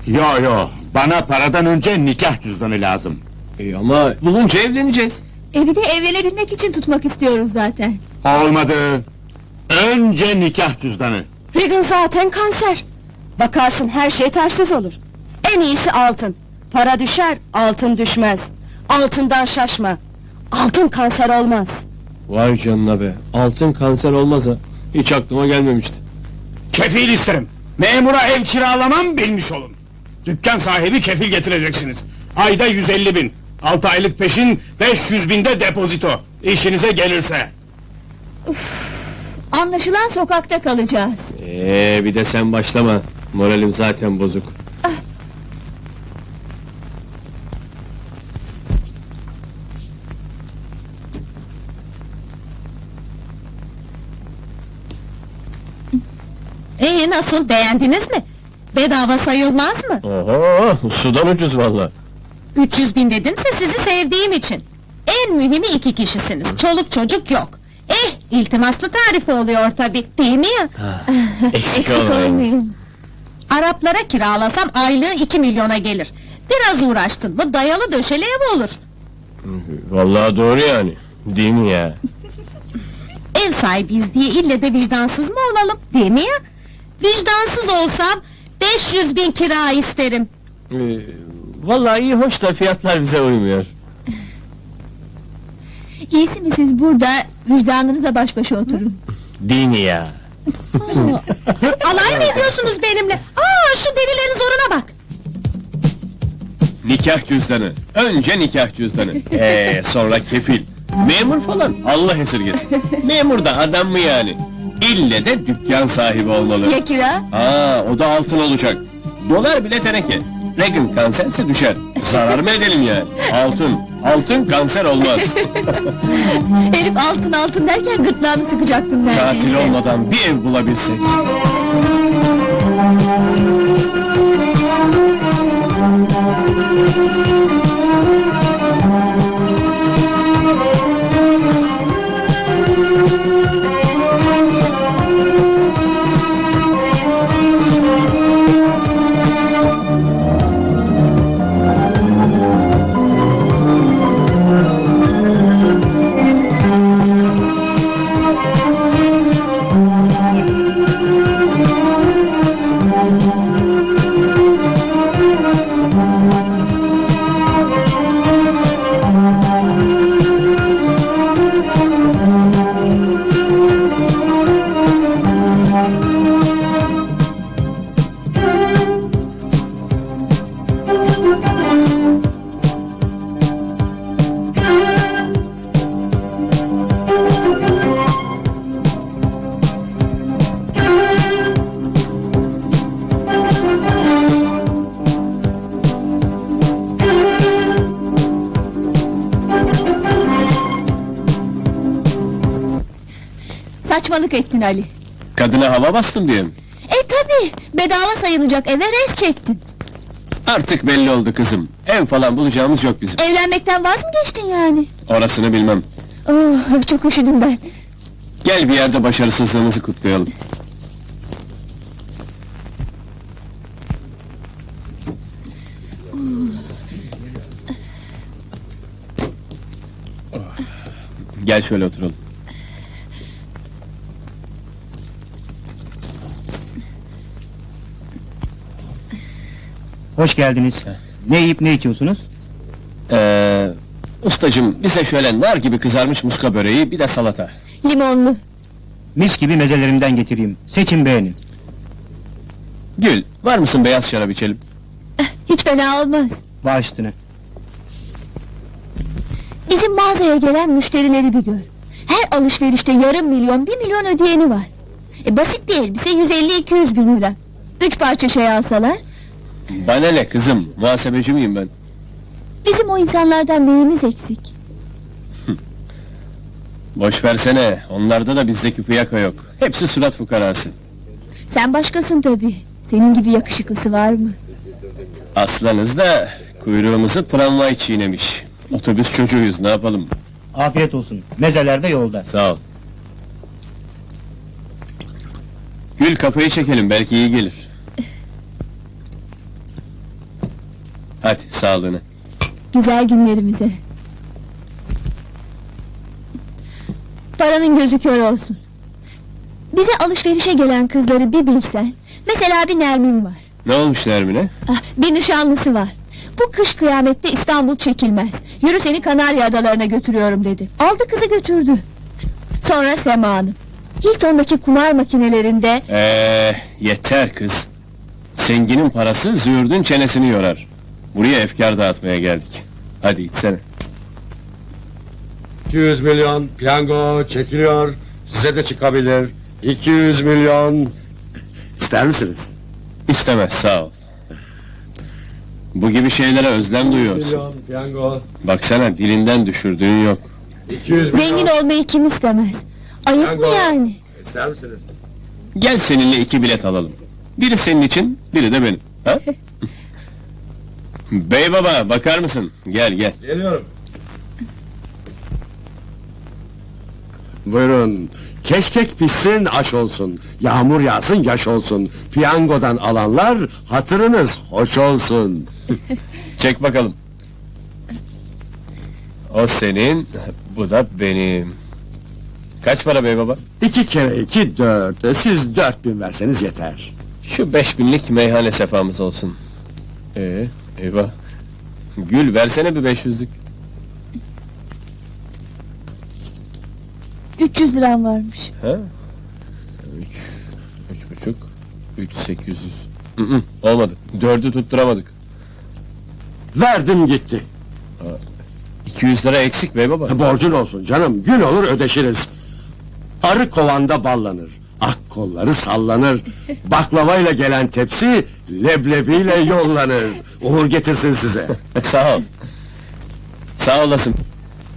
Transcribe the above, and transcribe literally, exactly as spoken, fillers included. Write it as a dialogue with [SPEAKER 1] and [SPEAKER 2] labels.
[SPEAKER 1] Yo yo, bana paradan önce nikah cüzdanı lazım.
[SPEAKER 2] E ama bulunca evleneceğiz.
[SPEAKER 3] Evi de evlenebilmek için tutmak istiyoruz zaten.
[SPEAKER 1] Olmadı. Önce nikah cüzdanı.
[SPEAKER 4] Regan zaten kanser. Bakarsın her şey tersiz olur. En iyisi altın. Para düşer, altın düşmez. Altından şaşma. Altın kanser olmaz.
[SPEAKER 2] Vay canına be, altın kanser olmaz ha. Hiç aklıma gelmemişti.
[SPEAKER 5] Kefil isterim. Memura ev kiralamam bilmiş olun. Dükkan sahibi kefil getireceksiniz. Ayda yüz elli bin. Altı aylık peşin, beş yüz binde depozito. İşinize gelirse.
[SPEAKER 3] Anlaşılan sokakta kalacağız.
[SPEAKER 2] Ee, bir de sen başlama. Moralim zaten bozuk.
[SPEAKER 4] Ee nasıl, beğendiniz mi? Bedava sayılmaz mı?
[SPEAKER 2] Oho, sudan ucuz valla.
[SPEAKER 4] üç yüz bin dedimse sizi sevdiğim için. En mühimi iki kişisiniz, çoluk çocuk yok. Eh, iltimaslı tarifi oluyor tabi, değil mi ya?
[SPEAKER 2] Eksik
[SPEAKER 3] Eksik
[SPEAKER 2] olmayın.
[SPEAKER 3] olmayın.
[SPEAKER 4] Araplara kiralasam aylığı iki milyona gelir. Biraz uğraştın mı dayalı döşeli ev olur.
[SPEAKER 2] Vallahi doğru yani. Değil mi ya?
[SPEAKER 4] Ev sahibiyiz diye ille de vicdansız mı olalım, değil mi ya? Vicdansız olsam beş yüz bin kira isterim.
[SPEAKER 2] Ee, vallahi iyi hoş da fiyatlar bize uymuyor.
[SPEAKER 3] İyisi mi siz burada vicdanınıza baş başa oturun.
[SPEAKER 2] Değil mi ya?
[SPEAKER 4] Alay mı ediyorsunuz benimle? Aa, şu delilerin zoruna bak!
[SPEAKER 2] Nikah cüzdanı. Önce nikah cüzdanı. Ee, sonra kefil. Memur falan, Allah esirgesin. Memur da adam mı yani? İlle de dükkan sahibi olmalı.
[SPEAKER 3] Ya kira?
[SPEAKER 2] Aa, o da altın olacak. Dolar bile teneke. Regan kanserse düşer. Zarar mı edelim yani? Altın, altın kanser olmaz.
[SPEAKER 3] Herif altın altın derken gırtlağını sıkacaktım neredeyse.
[SPEAKER 2] Katil olmadan bir ev bulabilsek.
[SPEAKER 3] Saçmalık ettin Ali.
[SPEAKER 2] Kadına hava bastın diye mi?
[SPEAKER 3] E tabi, bedava sayılacak eve res çektin.
[SPEAKER 2] Artık belli oldu kızım. Ev falan bulacağımız yok bizim.
[SPEAKER 3] Evlenmekten vaz mı geçtin yani?
[SPEAKER 2] Orasını bilmem.
[SPEAKER 3] Oh, çok üşüdüm ben.
[SPEAKER 2] Gel bir yerde başarısızlığımızı kutlayalım. Gel şöyle oturalım.
[SPEAKER 6] Hoş geldiniz. Ne yiyip ne içiyorsunuz?
[SPEAKER 2] Ee, ustacım bize şöyle nar gibi kızarmış muska böreği bir de salata.
[SPEAKER 3] Limonlu.
[SPEAKER 6] Mis gibi mezelerimden getireyim. Seçin beğenin.
[SPEAKER 2] Gül, var mısın beyaz şarap içelim?
[SPEAKER 3] Hiç fena olmaz.
[SPEAKER 6] Baş üstüne.
[SPEAKER 3] Bizim mağazaya gelen müşterileri bir gör. Her alışverişte yarım milyon, bir milyon ödeyeni var. E, basit bir elbise yüz elli iki yüz bin lira. Üç parça şey alsalar,
[SPEAKER 2] Bana ne kızım, muhasebeci miyim ben?
[SPEAKER 3] bizim o insanlardan neyimiz eksik?
[SPEAKER 2] Boş versene, onlarda da bizdeki fiyaka yok. Hepsi surat fukarası.
[SPEAKER 3] Sen başkasın tabi. Senin gibi yakışıklısı var mı?
[SPEAKER 2] Aslanız da kuyruğumuzu tramvay çiğnemiş. Otobüs çocuğuyuz, ne yapalım?
[SPEAKER 6] Afiyet olsun. Mezeler de yolda.
[SPEAKER 2] Sağ ol. Gül, kafayı çekelim, belki iyi gelir. Hadi sağlığına.
[SPEAKER 3] Güzel günlerimize. Paranın gözü kör olsun. Bize alışverişe gelen kızları bir bilsen. Mesela bir Nermin var.
[SPEAKER 2] Ne olmuş Nermin'e?
[SPEAKER 3] Ah, bir nişanlısı var. Bu kış kıyamette İstanbul çekilmez. Yürü seni Kanarya Adalarına götürüyorum dedi. Aldı kızı götürdü. Sonra Sema Hanım. Hilton'daki kumar makinelerinde
[SPEAKER 2] Eee yeter kız. Zenginin parası züğürdün çenesini yorar. Buraya efkar dağıtmaya geldik. Hadi içsene.
[SPEAKER 7] iki yüz milyon piyango çekiliyor. Size de çıkabilir. iki yüz milyon. İster misiniz?
[SPEAKER 2] İstemez sağ ol. Bu gibi şeylere özlem duyuyorsun.
[SPEAKER 7] Milyon piyango.
[SPEAKER 2] Baksana dilinden düşürdüğün yok.
[SPEAKER 7] iki yüz milyon.
[SPEAKER 3] zengin olmayı kim istemez? Ayıp mı
[SPEAKER 7] Piyango.
[SPEAKER 3] yani?
[SPEAKER 7] İster misiniz?
[SPEAKER 2] Gel seninle iki bilet alalım. Biri senin için, biri de benim. Ha? Bey baba bakar mısın? Gel gel.
[SPEAKER 7] Geliyorum. Buyurun. Keşkek pişsin aş olsun. Yağmur yağsın yaş olsun. Piyangodan alanlar hatırınız hoş olsun.
[SPEAKER 2] Çek bakalım. O senin, bu da benim. Kaç para bey baba?
[SPEAKER 7] İki kere iki dört. Siz dört bin verseniz yeter.
[SPEAKER 2] Şu beş binlik meyhane sefamız olsun. Ee, eyvah. Gül versene bir beş yüzlük.
[SPEAKER 3] üç yüz liram varmış.
[SPEAKER 2] Ha? Üç, üç buçuk, üç sekiz yüz. Hı hı, olmadı. Dördü tutturamadık.
[SPEAKER 7] Verdim gitti.
[SPEAKER 2] İki yüz lira eksik bey baba.
[SPEAKER 7] Borcun olsun canım. Gün olur ödeşiriz. Arı kovanda ballanır. Ak kolları sallanır. Baklavayla gelen tepsi leblebiyle yollanır. Uğur getirsin size.
[SPEAKER 2] Sağ ol. Sağ olasın.